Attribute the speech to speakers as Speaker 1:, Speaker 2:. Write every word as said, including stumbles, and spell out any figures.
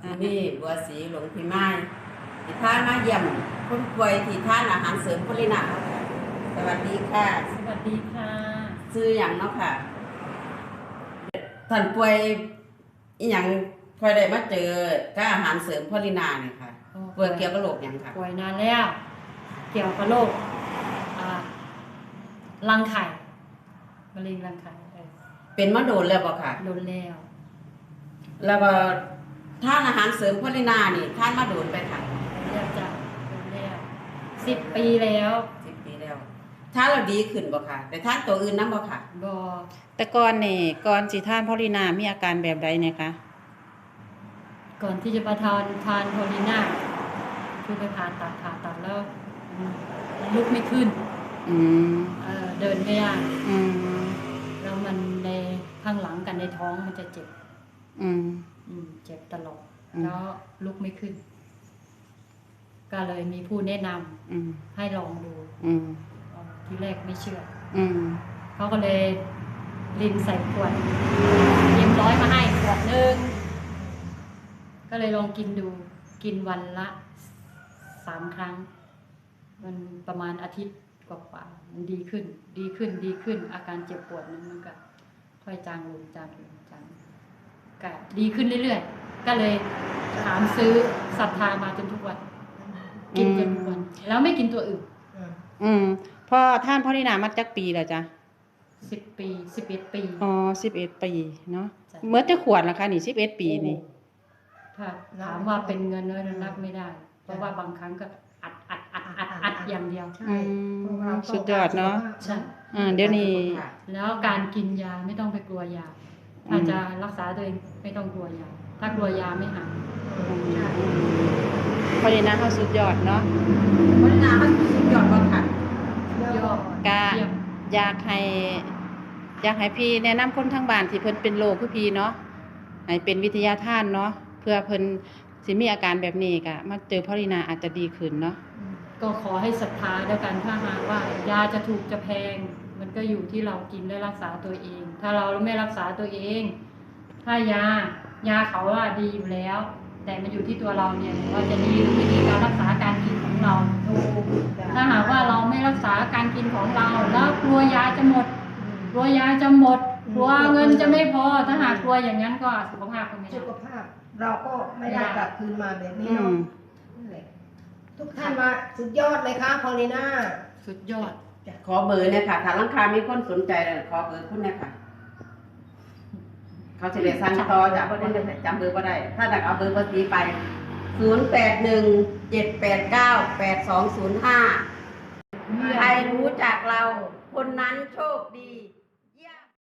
Speaker 1: นี่บัวสีหลวงพี่ไม้ที่ท่านมาเยี่ยมคนป่วยที่ท่านอาหารเสริมพลินาสวัสดีค่ะ
Speaker 2: สวัสดีค่ะ
Speaker 1: ซื้ออย่างเนาะค่ะท่านป่วยอีหยังพอได้มาเจอก็อาหารเสริมพลินาเนี่ยค่ะป่วยเกี่ยวกับโรคอย่างค่ะ
Speaker 2: ป่วยนานแล้วเกี่ยวกับโรครังไข่มะเร็งรังไข่
Speaker 1: เป็นมาโดนแล้วบ่ค่ะ
Speaker 2: โดนแล้ว
Speaker 1: แล้วก็ท่านอาหารเสริมพลินานี่ท่านมาโดนไปค่ะ
Speaker 2: เรียกจ้ะโดนแล้วสิบปีแล้ว
Speaker 1: สิบปีแล้วท่านเราดีขึ้นบ่ค่ะแต่ท่านตัวอื่นนั้นบ่ค่ะ
Speaker 2: บ่
Speaker 3: แต่ก่อนนี่ก่อนสิทานพอลินามีอาการแบบใดเนี่ยคะ
Speaker 2: ก่อนที่จะมาทานทานโพลิน่าคือไปผ่าตัดผ่าตัดแล้วลุกไม่ขึ้น
Speaker 3: อืม
Speaker 2: เออเดินไม่ได้
Speaker 3: อืม
Speaker 2: แล้วมันในข้างหลังกันในท้องมันจะเจ็บ
Speaker 3: อืม
Speaker 2: อืมเจ็บตลอดแล้วลุกไม่ขึ้นก็เลยมีผู้แนะนำให้ลองดูทีแรกไม่เชื่อเขาก็เลยลินใส่ขวดเย็มร้อยมาให้ขวดนึงก็เลยลองกินดูกินวันละสามครั้งมันประมาณอาทิตย์กว่าๆมันดีขึ้นดีขึ้นดีขึ้นอาการเจ็บปวดนั้นมันก็ค่อยจางลงจางลงจางก็ดีขึ้นเรื่อยๆก็เลยถามซื้อศรัทธามาจนทุกวันกินจนทุกวันแล้วไม่กินตัวอื่น
Speaker 3: อืมพอท่านพอลินามาจักปีแล้วจ้ะ
Speaker 2: สิบปีสิบเอ็ดปี
Speaker 3: อ๋อสิบเอ็ดปีเนาะเมื่อจะขวดแล้วค่ะนี่สิบเอ็ดปีนี่
Speaker 2: ถ้าถามว่าเป็นเงินน้อยนับไม่ได้เพราะว่าบางครั้งก็อัดอัดอัดอัดอัดอย่างเดียว
Speaker 3: ใช่สุดยอดเนาะ
Speaker 2: ใช่
Speaker 3: อ่าเดี๋ยวนี้
Speaker 2: แล้วการกินยาไม่ต้องไปกลัวยาถ้าจะรักษาตัวเองไม่ต้องกลัวยาถ้ากลัวยาไม่หาย
Speaker 3: พอลินาเขาสุดยอดเนาะ
Speaker 1: พอลินาเขาสุดยอดบ่ค่ะ
Speaker 2: ยอด
Speaker 3: กะอยากให้อยากให้พี่แนะนำคนทางบ้านที่เพิ่นเป็นโรคคือพี่เนาะให้เป็นวิทยาทานเนาะเพื่อเพิ่นสิมีอาการแบบนี้ก็มาเจอพอลินาอาจจะดีขึ้นเนาะ
Speaker 2: ก็ขอให้ศรัทธาด้วยกันถ้าหากว่ายาจะถูกจะแพงมันก็อยู่ที่เรากินและรักษาตัวเองถ้าเราไม่รักษาตัวเองถ้ายายาเขาว่าดีอยู่แล้วแต่มันอยู่ที่ตัวเราเนี่ยว่าจะดีหรือไม่ดีการรักษาการกินของเราถ้าหากว่าเราไม่รักษาการกินของเราแล้วกลัวยาจะหมดกลัวยาจะหมดกลัวเงินจะไม่พอถ้าหากกลัวอย่างนั้นก็สุขภาพก็ไม่ได้
Speaker 4: สุขภาพเราก็ไม่ได้กลับคืนมาแบบนี้เนาะทุกท่านว่าสุดยอดเลยค่ะพอลิน่า
Speaker 2: สุดยอด
Speaker 1: ขอเบอร์เนี่ยค่ะถ้าลังคามีคนสนใจขอเบอร์คุณเนี่ยค่ะเขาจะเรียกสั่งต่อจากเพราะได้จำเบอร์ก็ได้ถ้าอยากเอาเบอร์ภาษีไปศูนย์แปดหนึ่งเจ็ดแปดเก้าแปดสองศูนย์ห้าใครรู้จักเราคนนั้นโชคดี